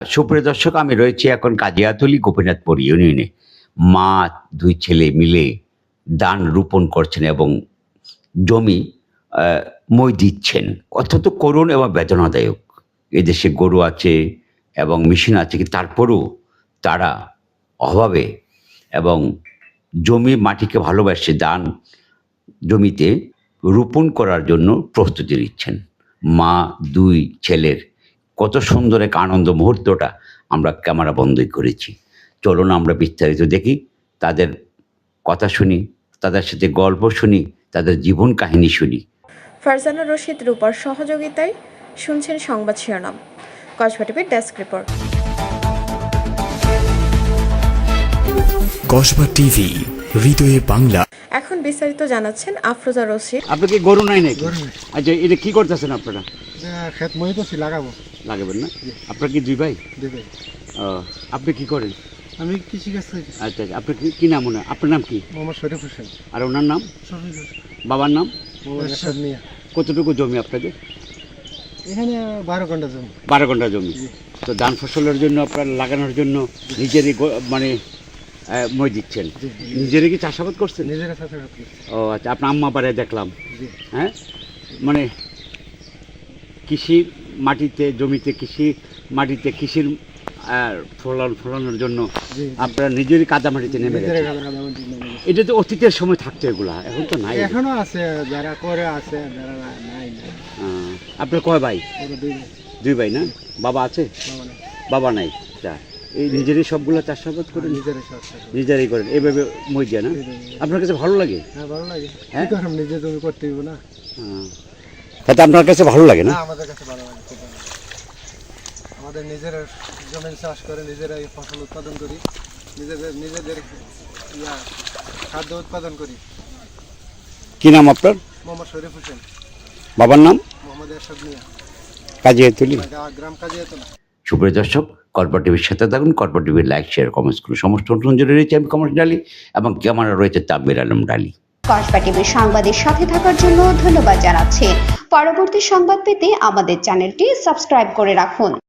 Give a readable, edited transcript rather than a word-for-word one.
সুপ্রিয় দর্শক, আমি রয়েছি এখন কাজিয়াতলী গোপীনাথপুর ইউনিয়নে। মা দুই ছেলে মিলে ধান রোপণ করছেন এবং জমি মই দিচ্ছেন। অত্যন্ত করুণ এবং বেদনাদায়ক। এদেশে গরু আছে এবং মেশিন আছে, কিন্তু তারপরেও তারা অভাবে এবং জমি মাটিকে ভালোবাসে ধান জমিতে রোপণ করার জন্য প্রস্তুতি নিচ্ছেন। মা দুই ছেলের কত সুন্দর এক আনন্দ মুহূর্তটা আমরা ক্যামেরা বন্দী করেছি। চলুন আমরা বিস্তারিত দেখি, তাদের কথা শুনি, তাদের সাথে গল্প শুনি, তাদের জীবন কাহিনী শুনি। ফারজানা রশিদ রূপার সহযোগিতায় শুনছেন সংবাদ শিরোনাম। কসবা টিভির ডেস্ক রিপোর্ট। কসবা টিভি, হৃদয়ে বাংলা। এখন বিস্তারিত জানাচ্ছেন আফরোজা রশিদ। আপনি কি গরু নাই নাকি? আচ্ছা, এটা কি করতেছেন আপনারা? ক্ষেত মই তো লাগাবো। লাগাবেন না? আপনার কি দুই ভাই? দুই ভাই। আপনি কি করেন? আমি কৃষিকাজ করি। আচ্ছা, আপনি কি নাম? আপনার নাম কি? মোহাম্মদ শরীফ হোসেন। আর ওনার নাম? শফিক হোসেন। বাবার নাম? মোহাম্মদ এরশাদ মিয়া। কতটুকু জমি আপনাদের? এখানে 12 ঘন্টা জমি। 12 ঘন্টা জমি। তো ধান ফসলের জন্য আপনার লাগানোর জন্য নিজেরই মানে মই দিচ্ছেন? নিজেরই কি চাষাবাদ করছেন? নিজেরা চাষাবাদ করি। ও আচ্ছা, আপনার আম্মা বাড়ি দেখলাম। জি। হ্যাঁ, মানে কৃষি মাটিতে, জমিতে কৃষি মাটিতে কৃষির ফলানোর জন্য আপনারা নিজেরই কাদা মাটিতে নেমে গেছেন। এটা তো অতীতের সময় থাকতো, এগুলা এখন তো নাই। এখনো আছে, যারা করে আছে, যারা নাই। আপনার কয় ভাই? দুই ভাই। দুই ভাই না? বাবা আছে? বাবা নাই। যা, এই নিজেরই সবগুলো চাষাবাদ করে নিজেরাই করেন এইভাবে মই দিয়ে না? আপনার কাছে ভালো লাগে? হ্যাঁ, ভালো লাগে। হ্যাঁ, নিজে জমি করতে দিব না। তাতে আপনার কাছে ভালো লাগে না? আমাদের কাছে ভালো লাগে, খুব ভালো। আমাদের নিজের জমি চাষ করে নিজেরাই ফসল উৎপাদন করি, নিজেদের খাদ্য উৎপাদন করি। কি নাম আপনার? মোহাম্মদ শরীফ হোসেন। বাবার নাম? মোহাম্মদ এরশাদ মিয়া। কাজিয়াতলী, গ্রাম কাজিয়াতলী। সুপ্রিয় দর্শক, কসবা টিভির সাথে থাকুন। কসবা টিভির লাইক, শেয়ার, কমেন্টস করুন। সমস্ত অনুসরণ জুড়ে রয়েছে আমি কমর্স ডালি এবং ক্যামেরা রয়েছে তাকবীর আলম ডালি। কসবা টিভির সংবাদের সাথে থাকার জন্য ধন্যবাদ জানাচ্ছি। পরবর্তী সংবাদ পেতে আমাদের চ্যানেলটি সাবস্ক্রাইব করে রাখুন।